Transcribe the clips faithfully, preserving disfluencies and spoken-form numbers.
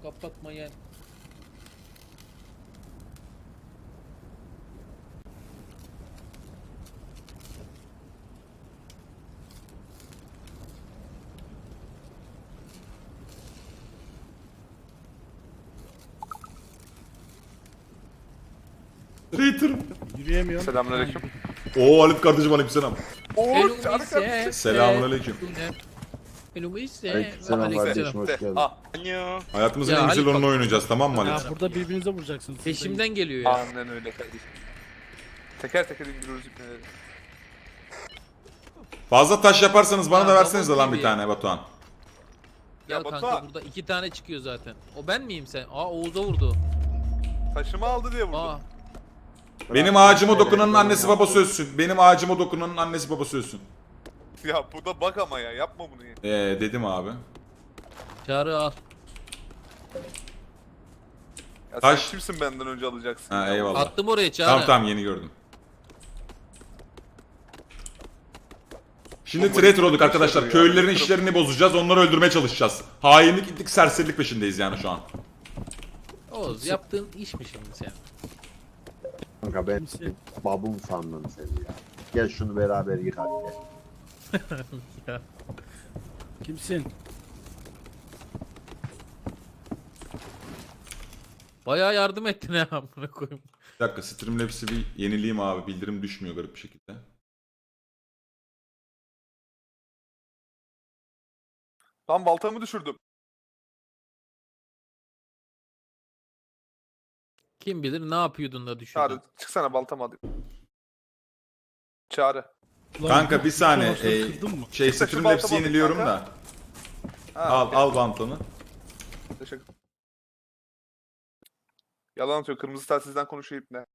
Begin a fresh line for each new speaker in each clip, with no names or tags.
Kapatmayın.
Traitor.
Yürüyemiyorum.
Selamünaleyküm.
Oo Halit kardeşim aleykümselam.
Oo, canım kardeşim.
Selamünaleyküm.
Aleykümselam kardeşim, hoş geldin.
Ah,
Hayatımızın
Ya
en güzel
Halit
oyununu
bak-
oynayacağız, tamam mı
Ya
Halit?
burada birbirinize vuracaksınız.
Peşimden geliyor ya.
aynen öyle kardeşim. Teker teker indiriyoruz ipneleri.
Fazla taş yaparsanız bana
Ya,
da verseniz
double
lan bir
T V.
tane Batuhan.
Gel
Ya
kanka
Batuhan.
burada iki tane çıkıyor zaten. O ben miyim sen? Aa Oğuz'a vurdu.
Taşımı aldı diye vurdu.
Aa
Benim ağacıma dokunanın annesi babası ölsün. Benim ağacıma dokunanın annesi babası ölsün.
Ya burada bak ama ya, yapma bunu ya.
Eee dedim abi.
Çağrı al.
Ya
Taş.
sen kimsin benden önce alacaksın?
Ha
ya?
eyvallah.
Attım oraya Çağrı.
Tamam tamam yeni gördüm. Şimdi traitor olduk arkadaşlar. Köylülerin işlerini bozacağız. Onları öldürmeye çalışacağız. Hainlik, itlik, serserilik peşindeyiz yani şu an.
Oğuz yaptığın iş mi şimdi sen?
Kanka ben
Kimse-
babum sandım seni ya. Gel şunu beraber yıkar gel.
Kimsin?
Bayağı yardım ettin ha amına koyayım.
Bir dakika Streamlabs'i bir yenileyim abi. Bildirim düşmüyor garip bir şekilde.
Lan baltamı düşürdüm.
Kim bilir ne yapıyordun da düşürdün.
Çağrı çıksana, baltamı alayım. Çağrı.
Ulan
Kanka
bu-
bir saniye.
bu ağaçları
E,
kırdın mı?
şey
Kısa şu
Streamlabs'i
baltamı
yeniliyorum
kanka.
da.
Ha,
Al
okey.
al bantonu.
Teşekkür. Yalan atıyor. Kırmızı telsizden konuşuyor ipne.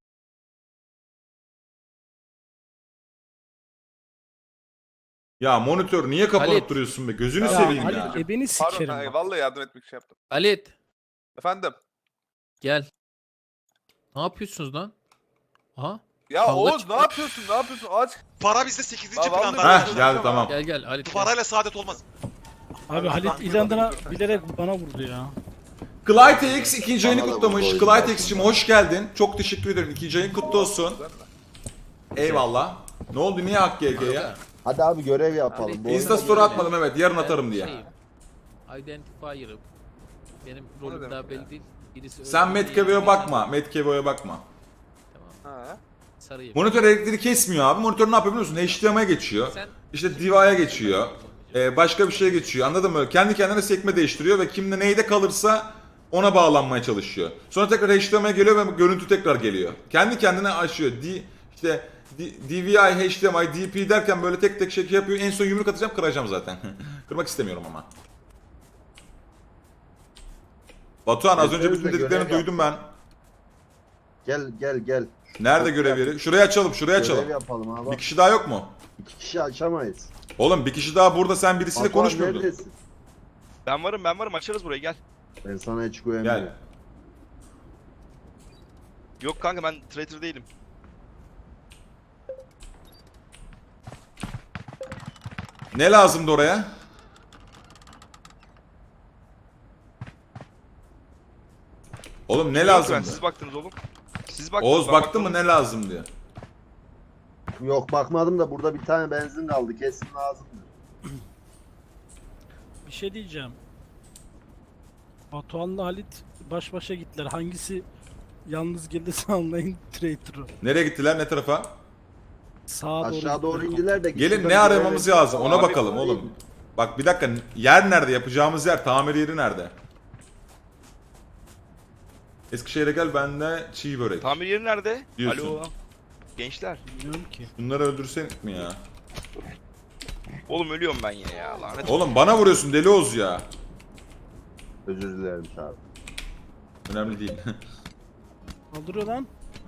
Ya monitör niye kapanıp
Halit.
duruyorsun be? Gözünü
Ya,
seveyim
Halit
ya.
ebeni
Pardon,
sikerim.
ha,
bak.
vallahi yardım etmek için yaptım.
Halit
Efendim.
gel. Ne yapıyorsunuz lan? Aha
Ya
Kavga
Oğuz
çıktı.
ne yapıyorsun? Ne yapıyorsun? Aç.
Para bizde sekizinci
Lan
planda.
vallahi-
Heh geldi tamam.
gel gel Halit.
Bu
gel.
parayla saadet olmaz.
Abi Halit İlanda'na bilerek bana vurdu ya.
Clyde X ikinci ayını
Bana da
kutlamış.
bu oyun
Clyde
gelsin.
X'cim hoş geldin. Çok teşekkür ederim. İkinci ayın kutlu olsun. Eyvallah. Ne oldu? Niye hak G G ya?
Hadi abi görev yapalım. Bu
Insta
oyuna
story
görev-
atmadım evet. Yarın
Ben
atarım diye.
şeyim, Identifier'ım. Benim
O ne
rolüm
demek
daha
ya?
belli değil. Birisi
Sen
öldü,
Metkevo'ya
diğeri
bakma. Metkevo'ya bakma.
Tamam.
Ha.
Sarıyım.
Monitör elektriği kesmiyor abi. Monitör ne yapıyor biliyor musun? H D M I'ye geçiyor.
Sen
İşte Diva'ya geçiyor. Ee, başka bir şeye geçiyor. Anladın mı? Kendi kendine sekme değiştiriyor ve kimde neyde kalırsa ona bağlanmaya çalışıyor. Sonra tekrar H D M I'ye geliyor ve görüntü tekrar geliyor. Kendi kendine açıyor. D, işte D- D V I, H D M I, D P derken böyle tek tek şey yapıyor. En son yumruk atacağım, kıracağım zaten. Kırmak istemiyorum ama. Batuhan az önce bütün
Görev
dediklerini
yap.
duydum ben.
Gel gel gel.
Nerede
Yok,
görev
yap.
yeri? Şuraya açalım, şuraya
Görev
açalım.
yapalım abi.
Bir
Bak,
kişi daha yok mu?
iki kişi açamayız.
Oğlum bir kişi daha burada, sen birisiyle
Batuhan
konuşmuyordun.
neredesin?
Ben varım ben varım açarız burayı gel.
Ben sana hiç güvenmiyorum.
Gel.
Yok kanka ben traitor değilim.
Ne lazımdı oraya? Oğlum ne
Yok
lazımdı?
ben, siz baktınız oğlum. Siz baktınız.
Oğuz
ben
baktı mı
bakmadım.
ne lazım diye.
Yok bakmadım da burada bir tane benzin kaldı. Kesin lazımdır.
Bir şey diyeceğim. Batuhan'la Halit baş başa gittiler. Hangisi yalnız gelirse anlayın traitor'ı.
Nereye gittiler, ne tarafa?
Sağa doğru
Aşağı doğru
gittiler.
indiler de.
Gelin
şurada
ne
bir
aramamız
görev-
lazım ona
Abi,
bakalım
değil
oğlum.
mi?
Bak bir dakika, yer nerede, yapacağımız yer, tamir yeri nerede? Eskişehir'e gel, bende çiğ börek.
Tamir yeri nerede?
Diyorsun.
Alo. Gençler.
Bilmiyorum ki.
Bunları öldürsek mi ya?
Oğlum ölüyorum ben yine ya lanet.
Oğlum bana vuruyorsun deli Oğuz ya.
Özür dilerim abi.
Önemli değil.
Kaldırıyor lan.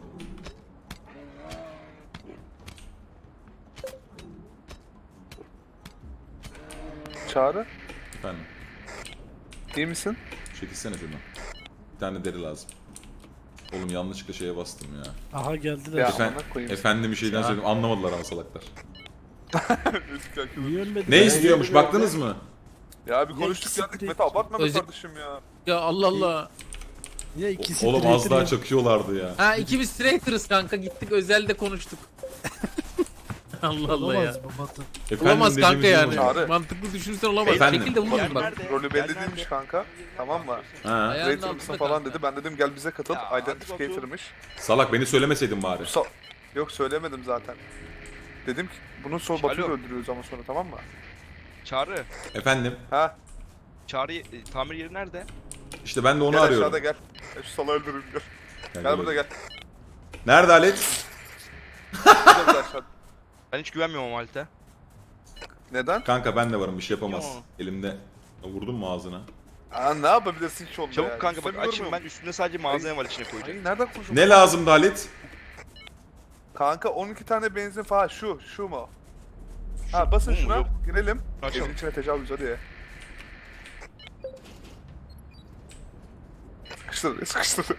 Çağrı.
Efendim,
İyi misin?
çekilsene şuradan. Bir tane deri lazım. Oğlum yanlışlıkla şeye bastım ya.
Aha geldiler.
Ya.
Efe-
amına koyayım.
efendim bir şeyden
Ya.
söyledim, anlamadılar ama salaklar.
Niye ölmedi?
Ne
Ben
istiyormuş,
geliyorum
baktınız mı?
Ya bir
Ya
konuştuk
ikisi
geldik
de-
Mete abartma be
Özür-
kardeşim ya.
Ya Allah Allah.
Ya ikisi
Oğlum
traitor
az daha
ya.
çakıyorlardı ya.
Ha ikimiz traitor'ız kanka gittik özelde konuştuk. Allah Allah ya.
Olamaz bu Batu.
Efendim
Olamaz kanka
dediğimiz
yani.
gibi oldu.
Çağrı.
Mantıklı düşünürsen olamaz.
Efendim?
Şekilde vurursun
Yer
bak.
nerede?
Rolü
Yer
belli
nerede?
değilmiş kanka. Tamam mı?
Ha.
Ayağının
Traitor
altında
mısın falan
kanka.
dedi. Ben dedim gel bize katıl.
Ya, hadi
Identificator'mış.
Salak beni söylemeseydin bari.
Sa- Yok söylemedim zaten. Dedim ki bunun son
Alo.
Batu'yu öldürüyoruz ama sonra tamam mı?
Çağrı.
Efendim.
Ha?
Çağrı e, tamir yeri nerede?
İşte ben de onu
Gel
arıyorum.
aşağıda gel. Gel şu salağı öldürürüm gel.
Gel,
Gel
gel.
burada gel.
Nerede Halit?
Burada burada aşağıda.
Ben hiç güvenmiyorum o Halit'e.
Neden?
Kanka ben de varım bir şey yapamaz.
Yo.
Elimde. Vurdun mu ağzına?
Aa ne yapabilirsin ki onda
Çabuk
ya?
kanka bak
İstemiyorum.
açayım ben üstünde sadece malzeme var içine koyacağım.
Ay nereden konuşuyorsun?
Ne lazımdı Halit?
Kanka on iki tane benzin falan şu şu mu? Ha basın
bu mu?
şuna
Yok.
girelim.
Açalım.
Evin içine tecavüz hadi ya. Sıkıştır sıkıştır.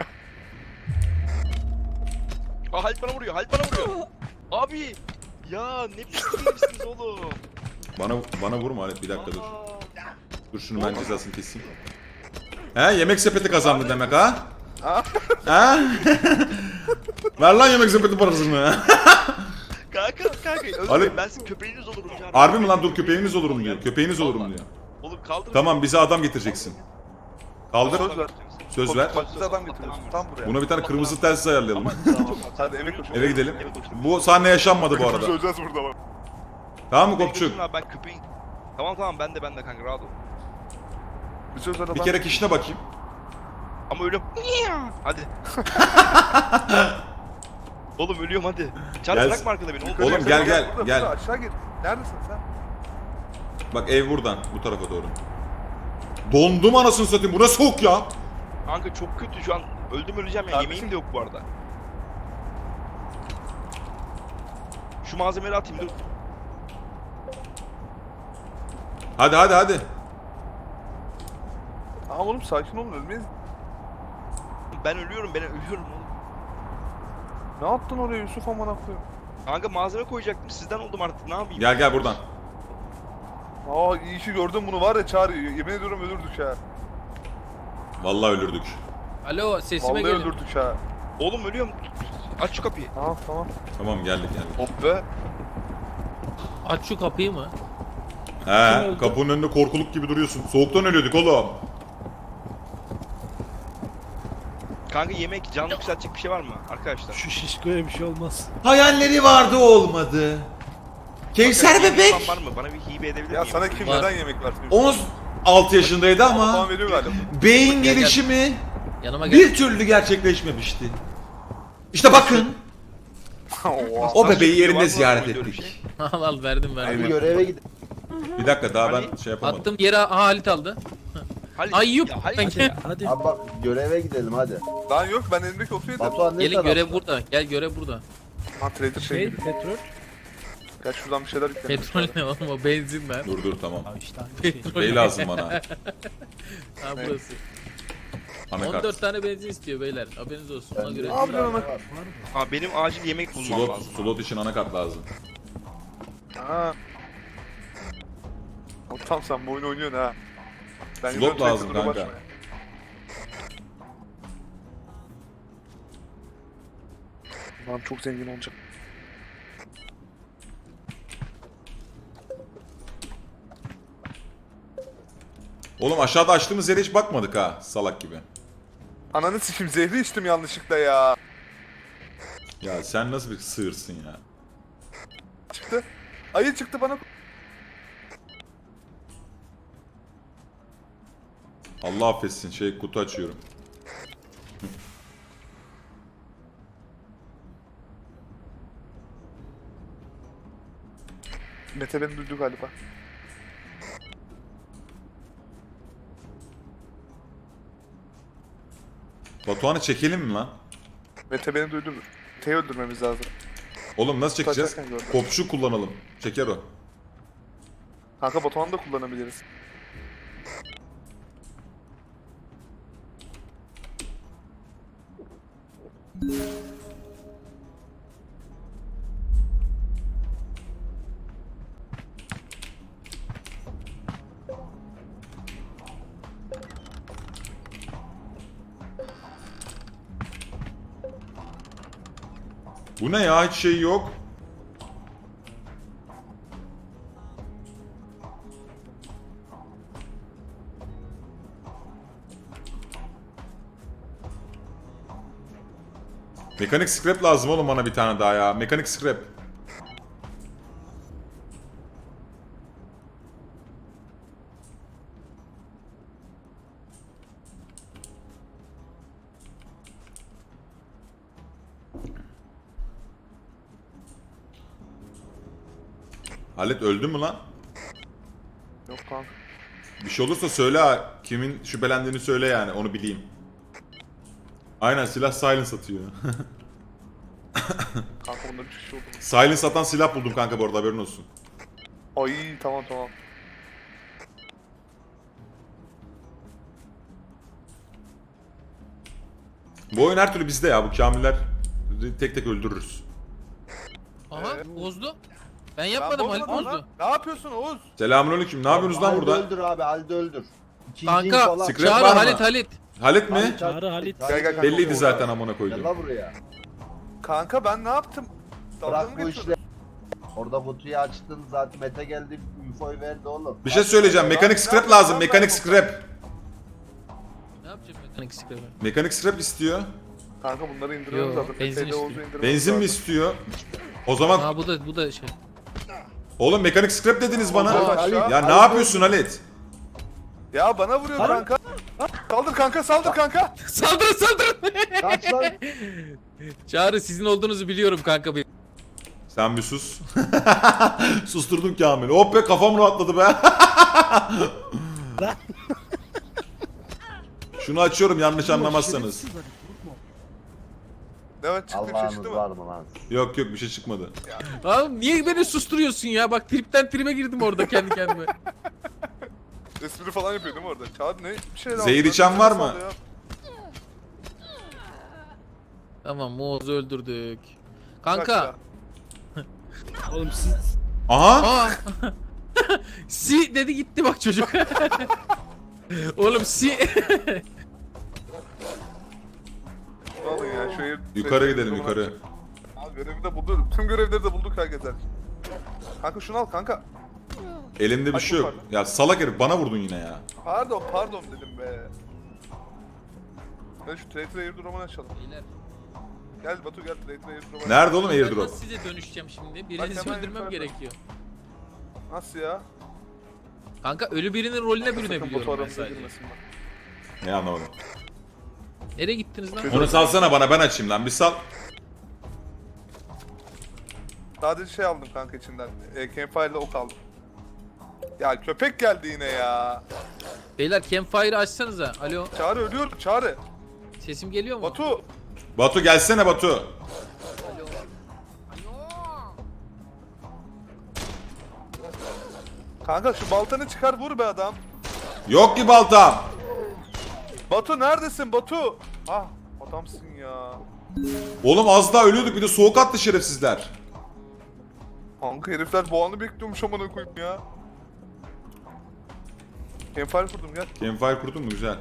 Aa Halit bana vuruyor Halit bana vuruyor. Abi. Ya ne biçimsiniz oğlum.
Bana bana vurma Halit bir dakika dur.
Aa.
Dur şunu ben cezasını keseyim. He yemek sepeti kazandı demek ha?
Ha?
Ha? Ver lan yemek sepeti parasını.
Kanka kanka özür
Halit-
dilerim ben sizin köpeğiniz olurum Çağrı.
Harbi mi lan dur köpeğiniz olurum diyor. Köpeğiniz olurum diyor.
Oğlum kaldır.
Tamam bize adam getireceksin. Kaldır.
Söz ver.
Söz ver.
Bak bize adam getiriyorsun tam buraya.
Buna bir tane kırmızı telsiz ayarlayalım.
Hadi eve koş.
Eve gidelim. Bu sahne yaşanmadı bu arada.
Söyleyeceğiz burada bak.
Tamam mı
Beni
Kopçuk?
götürün abi, ben köpeğin. Tamam tamam ben de ben de kanka rahat ol.
Bir söz ver adam.
Bir kere kişine bakayım.
Ama ölüyorum. Hadi. Oğlum ölüyorum hadi. Çağrı
Gel-
bırakma arkada beni. Oğlum,
Oğlum,
Yukarı
gel,
yukarı,
gel,
burada,
gel.
burada, aşağı git. Neredesin sen?
Bak ev buradan bu tarafa doğru. Dondum anasını satayım. Bu ne soğuk ya?
Kanka çok kötü şu an. Öldüm öleceğim ya.
Kardeşim.
Yemeğim de yok bu arada. Şu malzemeleri atayım dur.
Hadi hadi hadi.
Aa oğlum sakin olun ölmeyiz.
Ben ölüyorum ben ölüyorum oğlum.
Ne yaptın oraya Yusuf amına koyayım?
Kanka malzeme koyacaktım sizden oldum artık ne yapayım?
Gel gel buradan.
Aa iyi ki gördüm bunu var ya Çağrı. Yemin ediyorum ölürdük ha.
Vallahi ölürdük.
Alo sesime
Vallahi
gelin.
öldürdük ha.
Oğlum ölüyorum. Aç şu kapıyı.
Tamam tamam.
Tamam geldik geldik.
Hop be.
Aç şu kapıyı mı?
He kapının önünde korkuluk gibi duruyorsun. Soğuktan ölüyorduk oğlum.
Kanka yemek canlı yükseltecek bir şey var mı arkadaşlar?
Şu şişkoya bir şey olmaz.
Hayalleri vardı olmadı. Kevser
Yemek
bebek.
falan var mı? Bana bir hibe edebilir
Ya
miyim?
sana kim
Var.
neden yemek versin?
on altı yaşındaydı ama
Tamam veriyor galiba.
beyin
Gel, gel.
gelişimi
Yanıma gel.
bir türlü gerçekleşmemişti. İşte bakın
Oha.
o bebeği yerinde
Var mı
ziyaret
öyle bir
ettik.
şey?
al al verdim
Bir
verdim.
göreve gidin.
Bir dakika daha ben
Hani?
şey yapamadım.
Attım yere aha Halit aldı.
Halit,
Ayyup.
ya Halit
Hadi.
ya.
Hadi.
Abi bak göreve gidelim hadi.
Lan yok ben elimdeki otu yedim.
Batuhan ne
Gelin
tarafta?
görev burada. Gel görev burada.
Ha trader şey
Şey
gibi.
petrol.
Gel şuradan bir şeyler yükleyelim.
Petrol ne oğlum o benzin ben.
Dur dur tamam.
Abi işte aynı şey.
Bey lazım bana.
Ha burası.
Anakart.
on dört tane benzin istiyor beyler. Haberiniz olsun. Ona göre.
Ne yapıyorsun ama?
Aa, benim acil yemek bulmam
Slot,
lazım.
slot için anakart lazım.
Ha. O tam sen bu oyunu oynuyorsun ha. Ben
Slot
gidiyorum
lazım
Trader'la
kanka.
başlamaya. Lan çok zengin olacak.
Oğlum aşağıda açtığımız yere hiç bakmadık ha salak gibi.
Ananı sikim zehri içtim yanlışlıkla ya.
Ya sen nasıl bir sığırsın ya?
Çıktı. Ayı çıktı bana.
Allah affetsin şey kutu açıyorum.
Mete beni duydu galiba.
Batuhan'ı çekelim mi lan?
Mete beni duydu. Mete'yi öldürmemiz lazım.
Oğlum nasıl çekeceğiz?
Kaçarken gördüm.
Kopçu kullanalım. Çeker o.
Kanka Batuhan'ı da kullanabiliriz.
Bu ne ya? Hiç şey yok. Mekanik scrap lazım oğlum bana bir tane daha ya. Mekanik scrap. Halit öldü mü lan?
Yok kanka.
Bir şey olursa söyle ha. Kimin şüphelendiğini söyle yani onu bileyim. Aynen silah silence atıyor.
Kanka bunlar üç kişi oldu.
Silence atan silah buldum kanka bu arada haberin olsun.
Ay tamam tamam.
Bu oyun her türlü bizde ya bu kamiller tek tek öldürürüz.
Aha
Evet.
bozdu. Ben
Ben
yapmadım Halit
bozmadım
bozdu.
lan. Ne yapıyorsun Oğuz?
Selamünaleyküm. Ne yapıyorsunuz lan
Halde
burada?
öldür abi, halde öldür. İkinci
Kanka
falan.
Scrap
çağır
var mı?
Halit Halit.
Halit mi?
Çağrı Halit.
Gel, gel, gel.
Belliydi zaten amına
Gel
koydum.
la buraya.
Kanka ben ne yaptım? Dalga
Bırak
mı
bu
geçiyordun?
işleri. Orada kutuyu açtın zaten, Mete geldi infoyu verdi oğlum.
Bir şey söyleyeceğim. Mekanik scrap lazım. Mekanik scrap.
Ne yapacağım mekanik scrap'ı?
Mekanik scrap istiyor.
Kanka bunları indiriyoruz
Yo,
zaten.
benzin
Şeyde
istiyor.
Oğuz'u indirmemiz
Benzin mi
lazım.
istiyor? O zaman
Aa bu da bu da şey.
oğlum mekanik scrap dediniz bana.
Aa,
Halit,
Ya
Halit
ne yapıyorsun Halit?
Ya bana vuruyor
Hayır.
kanka. Saldır kanka saldır kanka.
Saldırın saldırın.
Kaç lan?
Çağrı sizin olduğunuzu biliyorum kanka benim.
Sen bir sus. Susturdun Kamil'i. Oh be kafam rahatladı be. Şunu açıyorum yanlış anlamazsanız.
Şerefsiz Halit, vurma.
Evet çıktı bir şey
Allah'ınız
çıktı mı?
var mı lan?
Yok yok bir şey çıkmadı.
Abi niye beni susturuyorsun ya? Bak tripten tribe girdim orada kendi kendime.
Espri falan yapıyor değil mi orada? Çağır ne? Bir şey
Zehir içen var mı?
Tamam Moğoz'u öldürdük.
Kanka.
Kanka.
Oğlum siz
Aha.
Aa. Si dedi gitti bak çocuk. Oğlum si.
Alın ya şu ev-
Yukarı
ev-
gidelim
ev-
yukarı.
Ha, görevi de bulduk. Tüm görevleri de bulduk herkesten. Kanka şunu al kanka.
Elimde bir
Aç
şey yok.
yukarı.
Ya salak herif bana vurdun yine ya.
Pardon pardon dedim be. Gel şu Traitor Airdrop'unu açalım.
Beyler,
Gel Batu gel Traitor Airdrop'u.
Nerede oğlum
ben
airdrop?
nasıl size dönüşeceğim şimdi? Birinizi
Bak hemen
öldürmem
yukarıda.
gerekiyor.
Nasıl ya?
Kanka ölü birinin rolüne
Sakın
bürünebiliyorum
Batu
ben
aramıza
sadece.
girmesin bak.
Ne anlamadım.
Nereye gittiniz lan?
Onu salsana bana ben açayım lan bir sal.
Sadece şey aldım kanka içinden. E, Campfire ile ok aldım. Ya köpek geldi yine ya.
Beyler campfire'ı açsanıza. Alo.
Çağrı ölüyorum Çağrı.
Sesim geliyor mu?
Batu.
Batu gelsene Batu.
Kanka şu baltanı çıkar vur be adam.
Yok ki baltam.
Batu neredesin Batu? Ah adamsın ya.
Oğlum az daha ölüyorduk bir de soğuk attı şerefsizler.
Kanka herifler boğanı bekliyormuş amına koyayım ya. Campfire kurdum gel.
Campfire kurdun mu? Güzel.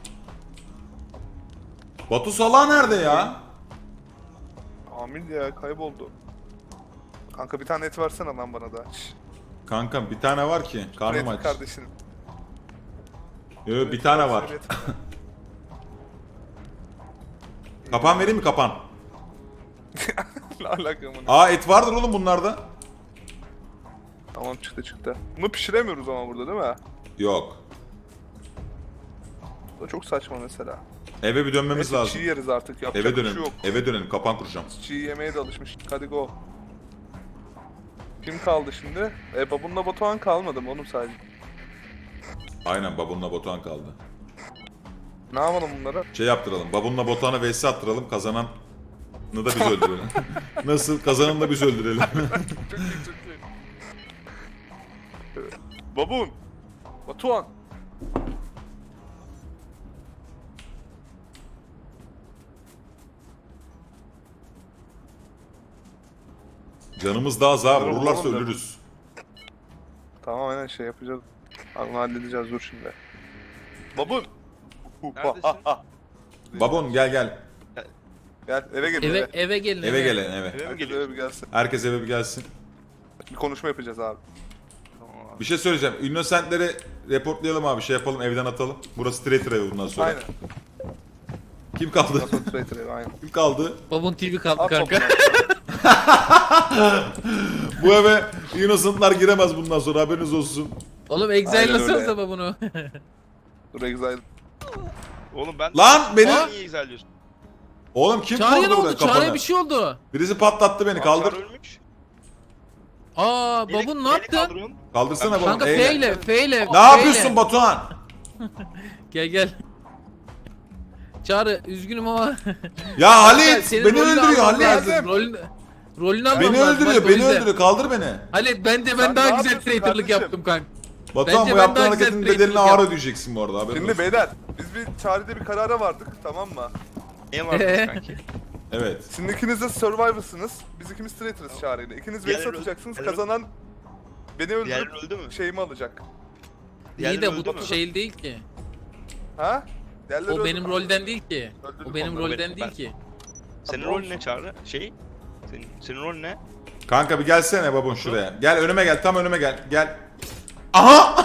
Batu salağı nerede ya?
Amil ya kayboldu. Kanka bir tane et versene lan bana da. Şşş.
Kankam bir tane var ki. Karnım
Pratik
aç.
kardeşim.
Yok bir tane var.
Evet.
Kapan vereyim mi kapan?
Ne alaka amına.
Aa et vardır oğlum bunlarda.
Tamam çıktı çıktı. Bunu pişiremiyoruz ama burada değil mi?
Yok.
Bu da çok saçma mesela.
Eve bir dönmemiz
Neyse
lazım.
çiğ yeriz artık yapacak
Eve
bir şey
dönelim.
yok.
Eve dönelim. Kapan kuracağım.
Çiğ yemeye de alışmış. Hadi go. Kim kaldı şimdi? E babunla Batuhan kalmadı mı oğlum sadece?
Aynen babunla Batuhan kaldı.
Ne yapalım bunlara?
Şey yaptıralım. Babunla Batuhan'a vs attıralım. Kazananı da biz öldürelim. Nasıl? Kazananı da biz öldürelim.
Çok iyi çok iyi. Evet. Babun! Batuhan!
Canımız daha az ha.
Bunları
Vururlarsa
vuralım da.
ölürüz.
Tamam aynen şey yapacağız. Abi bunu halledeceğiz dur şimdi. Babun!
Neredesin?
Babon gel gel.
Gel eve gel.
Eve
Eve.
eve gelin.
Eve gelin eve.
Eve mi
Herkes
geliyor?
eve bir gelsin.
Herkes eve bir gelsin.
Bir konuşma yapacağız abi.
Bir şey söyleyeceğim. Innocent'leri reportlayalım abi. Şey yapalım, evden atalım. Burası traitor evi bundan sonra.
Aynen.
Kim kaldı?
Nasıl traitor evi aynen.
Kim kaldı?
Babun T V kaldı
At
kanka.
Bu eve Innocent'lar giremez bundan sonra, haberiniz olsun.
Oğlum
Aynen
exile'lasanıza
öyle.
babunu.
Dur Exile.
Oğlum ben...
Lan beni...
Sen niye izliyorsun?
Oğlum kim
Çağrı'ya ne
vurdu
oldu?
burada
Çağrı'ya
kafanı?
bir şey oldu.
Birisi patlattı beni, kaldır.
Çağrı ölmüş.
Aa
Neyle-
babun ne
neyle
yaptı?
kaldırıyorsun?
Kaldırsana baba.
Kanka
eyle.
F ile F ile.
Ne yapıyorsun Batuhan?
Gel gel. Çağrı üzgünüm ama.
Ya Halit
Senin
beni
rolünü
öldürüyor
almam
Halit.
lazım. Rolünü, rolünü almam
Beni
lazım.
öldürüyor,
Bak, o
beni
yüzden.
öldürüyor. Kaldır beni.
Halit ben de
Sen
ben
ne
daha güzel
yapıyorsun
traitorlık
kardeşim?
yaptım kanka.
Batuhan
Bence
bu
ben
yaptığın
daha güzel
hareketin
traitorlık
bedelini ağır
yaptım.
ödeyeceksin bu arada, haberin
Şimdi
olsun.
beyler biz bir çarede bir karara vardık tamam mı?
Neye vardınız kanki?
Evet.
Sizin ikiniz de Survivor'sınız. Biz ikimiz traitor'ız çağrıyla. İkiniz
Diğerleri
vs
öldü.
atacaksınız.
Diğerleri-
Kazanan beni
Diğerleri
öldürüp
öldü mü?
şeyimi alacak.
İyi
Diğerleri
de
öldü
bu
mü?
şey değil ki.
Ha? Diğerleri
O
öldü
benim
mü?
rolden değil ki.
Öldürdük
O benim
onları,
rolden
ben-
değil
ben-
ki.
Senin
Tamam.
rolün ne Çağrı? Şey? Senin, senin rolün ne?
Kanka bir gelsene babon şuraya. Gel önüme gel, tam önüme gel. Gel. Aha!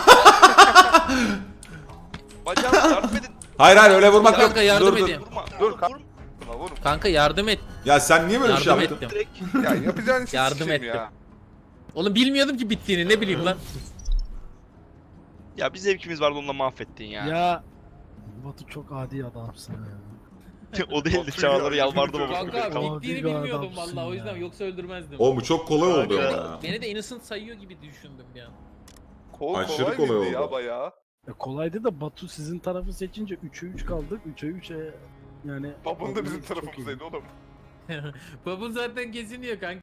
Bacağım yardım edin.
Hayır hayır öyle vurmak yok.
Kanka yardım
Dur, dur.
edin.
Vurma.
Dur,
Dur,
kalk.
vurma.
Vurma, vurun.
Kanka yardım et.
Ya sen niye böyle bir şey
Yardım
yaptın?
ettim.
Direkt.
Ya yapacağın işi
Yardım
sikeyim
ettim.
ya.
Oğlum bilmiyordum ki bittiğini, ne bileyim lan.
Ya bir zevkimiz vardı onunla mahvettin ya.
Ya Batu çok adi adamsın ya.
O değildi
Oturuyor,
Çağrı'ları yalvardı
yürüyor.
baba.
Kanka
Tamam.
bittiğini
Adi bir
bilmiyordum
adamsın
vallahi, o
ya.
yüzden yoksa öldürmezdim.
Oğlum bu çok kolay oldu ama ya.
Beni de innocent sayıyor gibi düşündüm bir an.
Kol
Aşırı
kolay
kolay
mıydı
oldu.
ya bayağı.
Ya kolaydı da Batu sizin tarafı seçince üçe üç kaldık. üçe üçe yani...
Babam da bizim
Çok iyi.
tarafımızdaydı oğlum.
Babun zaten geziniyor kanka.